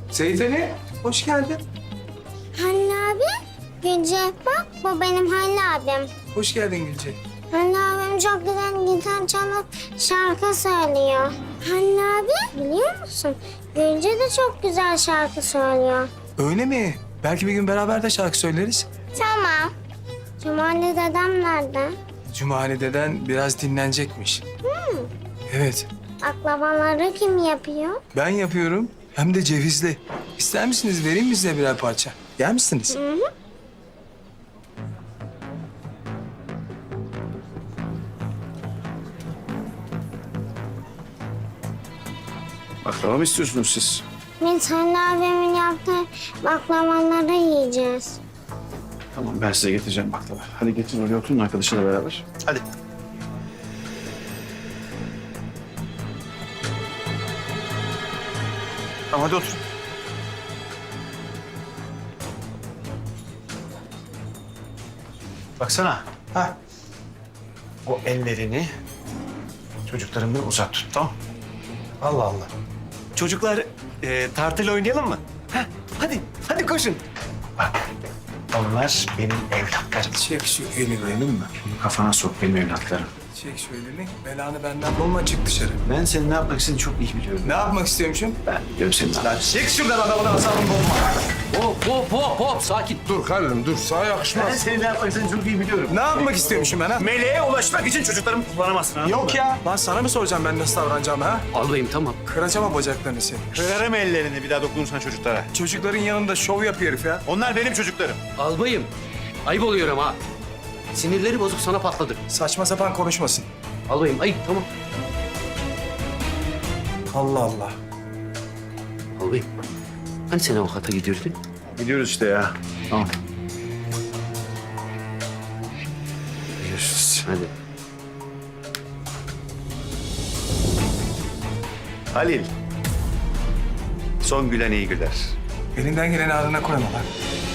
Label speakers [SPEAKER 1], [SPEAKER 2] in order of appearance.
[SPEAKER 1] Seyit Ali, hoş geldin.
[SPEAKER 2] Halil abi, Gülce bak bu benim Halil abim.
[SPEAKER 1] Hoş geldin Gülce.
[SPEAKER 2] Halil abim çok güzel gitar çalıp şarkı söylüyor. Halil abi biliyor musun? Gülce de çok güzel şarkı söylüyor.
[SPEAKER 1] Öyle mi? Belki bir gün beraber de şarkı söyleriz.
[SPEAKER 2] Tamam. Cumali dedem nerede?
[SPEAKER 1] Cumali deden biraz dinlenecekmiş. Evet,
[SPEAKER 2] Baklavaları kim yapıyor?
[SPEAKER 1] ben yapıyorum. Hem de cevizli. İster misiniz? Vereyim mi size birer parça? Yer misiniz?
[SPEAKER 3] Baklava mı istiyorsunuz siz?
[SPEAKER 2] Biz Halil abimin yaptığı baklavaları yiyeceğiz.
[SPEAKER 3] Tamam, ben size getireceğim baklava. Hadi getirin oraya oturun arkadaşıyla beraber. Hadi. Tamam, hadi otur. Baksana. Ha. O ellerini çocuklarımdan uzak tut, tamam?
[SPEAKER 1] Allah Allah.
[SPEAKER 4] Çocuklar tartıyla oynayalım mı? Heh, hadi koşun.
[SPEAKER 3] Bak, onlar benim evlatlarım.
[SPEAKER 1] Çek şu elini benim mi?
[SPEAKER 3] Bunu kafana sok, benim evlatlarım.
[SPEAKER 1] Çek şu elini. Belanı benden bulma, çık dışarı.
[SPEAKER 3] Ben senin ne yapmak istediğini çok iyi biliyorum.
[SPEAKER 1] Ne yapmak istiyormuşum?
[SPEAKER 3] Ben biliyorum senin ne yapmak.
[SPEAKER 4] Çek şuradan adamın asabını bozma.
[SPEAKER 5] Hop sakin.
[SPEAKER 6] Dur Halil'im dur. Sana yakışmaz.
[SPEAKER 3] Ben senin ne yapmak istediğini çok iyi biliyorum.
[SPEAKER 1] Ne yapmak istiyormuşum ben ha?
[SPEAKER 4] Meleğe ulaşmak için çocuklarımı kullanamazsın, anladın
[SPEAKER 1] Yok
[SPEAKER 4] mı?
[SPEAKER 1] ya. Lan sana mı soracağım ben nasıl davranacağımı ha?
[SPEAKER 5] Albayım tamam.
[SPEAKER 1] Kıracağım o bacaklarını seni.
[SPEAKER 4] Kırarım ellerini bir daha dokunursan çocuklara.
[SPEAKER 1] Çocukların yanında şov yapıyor herif ya.
[SPEAKER 4] Onlar benim çocuklarım.
[SPEAKER 5] Albayım. Ayıp oluyor ama ha. Sinirleri bozuk sana patladı.
[SPEAKER 1] Saçma sapan konuşmasın.
[SPEAKER 5] Albayım ayıp tamam.
[SPEAKER 1] Allah Allah.
[SPEAKER 5] Albayım. Hani sen avukata gidiyordun?
[SPEAKER 3] Gidiyoruz işte ya. Tamam.
[SPEAKER 5] Görüşürüz. Hadi.
[SPEAKER 4] Halil. Son gülen iyi güler.
[SPEAKER 1] Elinden geleni ardına koyma lan.